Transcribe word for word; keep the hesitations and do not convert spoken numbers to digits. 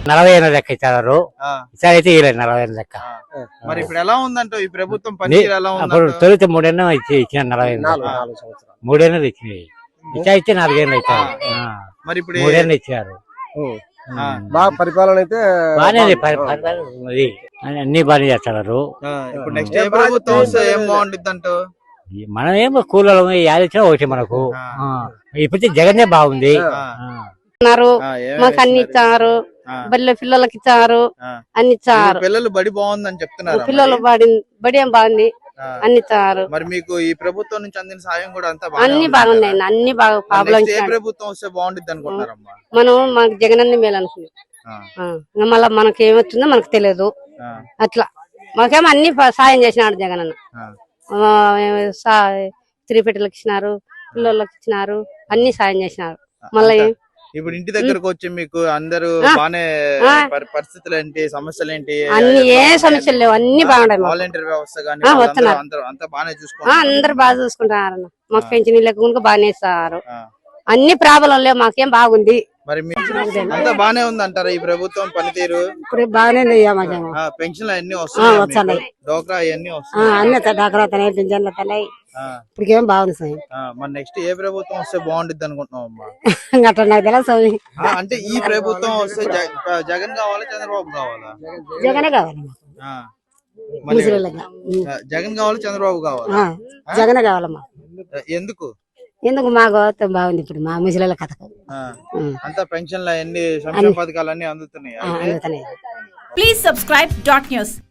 నలభై ఏళ్ళ లెక్క ఇచ్చారు. ఈసారి అయితే ఇవ్వలేదు నలభై ఏళ్ళ లెక్క. మరి ఇప్పుడు ఎలా ఉందంటే ఈ ప్రభుత్వం పనితీరు ఎలా ఉంది? అప్పుడు తొలిత మూడేళ్ళు ఇచ్చి ఇచ్చిన నలభై మూడేళ్ళు ఇచ్చినాయి. ఇచ్చా ఇచ్చి నాలుగేళ్ళు ఇచ్చారు. మరి ఇప్పుడు మూడేళ్ళు ఇచ్చారు. బాగా పరిపాలన అయితే బాగానే అన్ని బాగానే చేస్తున్నారు. ఇప్పుడు నెక్స్ట్ ఏ ప్రభుత్వం వస్తే ఏం బాగుంటుంది అంటూ? మనం ఏమో కూలలో యాది ఇచ్చినా ఒకటి మనకు. ఇప్పుడు జగనే బాగుంది. మాకు అన్ని ఇచ్చారు, బడిలో పిల్లలకి ఇచ్చారు, అన్ని ఇచ్చారు. పిల్లలు బడి బాగుందని చెప్తున్నారు. పిల్లలు బడి బడి ఏం బాగుంది, అన్ని ఇచ్చారు. మరి మీకు ఈ ప్రభుత్వం నుంచి అందిన సాయం కూడా అంతా అన్ని బాగున్నాయి, అన్ని బాగా ప్రాబ్లం. ఏ ప్రభుత్వం వస్తే బాగుంటుంది అనుకుంటున్నారమ్మా? మనం మనకు జగన్ అన్ని మేలు అనుకున్నాం. మళ్ళా మనకి ఏమొచ్చిందో మనకు తెలియదు. అట్లా మాకేమో అన్ని సాయం చేసినాడు జగన్ అన్న. స్త్రీ పెట్టలకు ఇచ్చినారు, పిల్లలకి ఇచ్చినారు, అన్ని సాయం చేసినారు. మళ్ళీ ఇప్పుడు ఇంటి దగ్గరకు వచ్చి మీకు అందరూ బానే పరిస్థితులు ఏంటి, సమస్యలు ఏంటి? అన్ని ఏ సమస్యలు లేవు, అన్ని బాగున్నాయి. వాలంటీర్ వ్యవస్థ గానీ అంతా బాగానే చూసుకుంటారు. అందరు బాగా చూసుకుంటారు. మాకు పెన్షన్ లెక్క బాగానే ఇస్తారు. అన్ని ప్రాబ్లం లేవు, మాకేం బాగుంది. మరి అంతా బానే ఉంది అంటారా ఈ ప్రభుత్వం పనితీరు? ఇప్పుడు బాగానే పెన్షన్లు అన్ని వస్తున్నాయి, డోక్రా అవన్నీ వస్తున్నాయి, అన్ని డాక్రా తనాయి, పింఛన్లు తనాయి. ఇప్పటికేం బాగుంది సార్. మరి నెక్స్ట్ ఏ ప్రభుత్వం వస్తే బాగుంటుంది అనుకుంటున్నావు అమ్మా? అట్లా నాకు తెలియదు. అంటే ఈ ప్రభుత్వం వస్తే జగన్ కావాలా, చంద్రబాబు కావాలా? జగనే కావాలి. జగన్ కావాలా, చంద్రబాబు కావాలా? జగనే కావాలమ్మా. ఎందుకు? ఎందుకు మా గౌరవం బాగుంది. ఇప్పుడు మా ముసలి కథకు అంతా పెన్షన్లు అన్ని సంక్షేమ పథకాలు అన్ని అందుతున్నాయి. Please subscribe dot news.